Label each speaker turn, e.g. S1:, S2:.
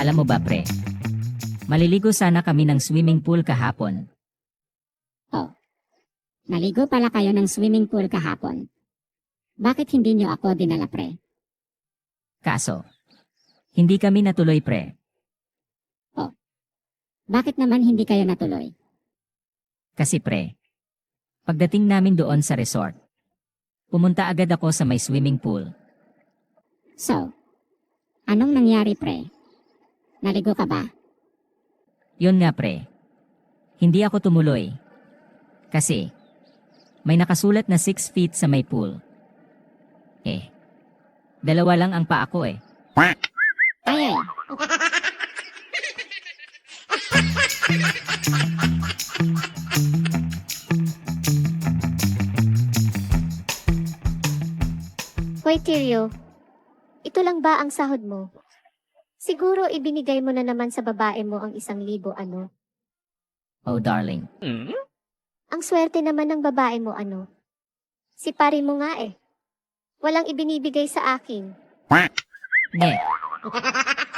S1: Alam mo ba pre? Maliligo sana kami ng swimming pool kahapon.
S2: Oh, naligo pala kayo ng swimming pool kahapon. Bakit hindi nyo ako dinala pre?
S1: Kaso, hindi kami natuloy pre.
S2: Bakit naman hindi kayo natuloy?
S1: Kasi pre, pagdating namin doon sa resort, pumunta agad ako sa may swimming pool.
S2: So, anong nangyari pre? Naligo ka ba?
S1: Yun nga pre, hindi ako tumuloy. Kasi, may nakasulat na 6 feet sa may pool. Dalawa lang ang paa ko eh.
S2: Ay.
S3: Hoy, Tyrio. Ito lang ba ang sahod mo? Siguro ibinigay mo na naman sa babae mo ang 1,000, ano?
S1: Oh darling,
S3: Ang swerte naman ng babae mo, ano? Si pari mo nga eh. Walang ibinibigay sa akin.
S1: ne,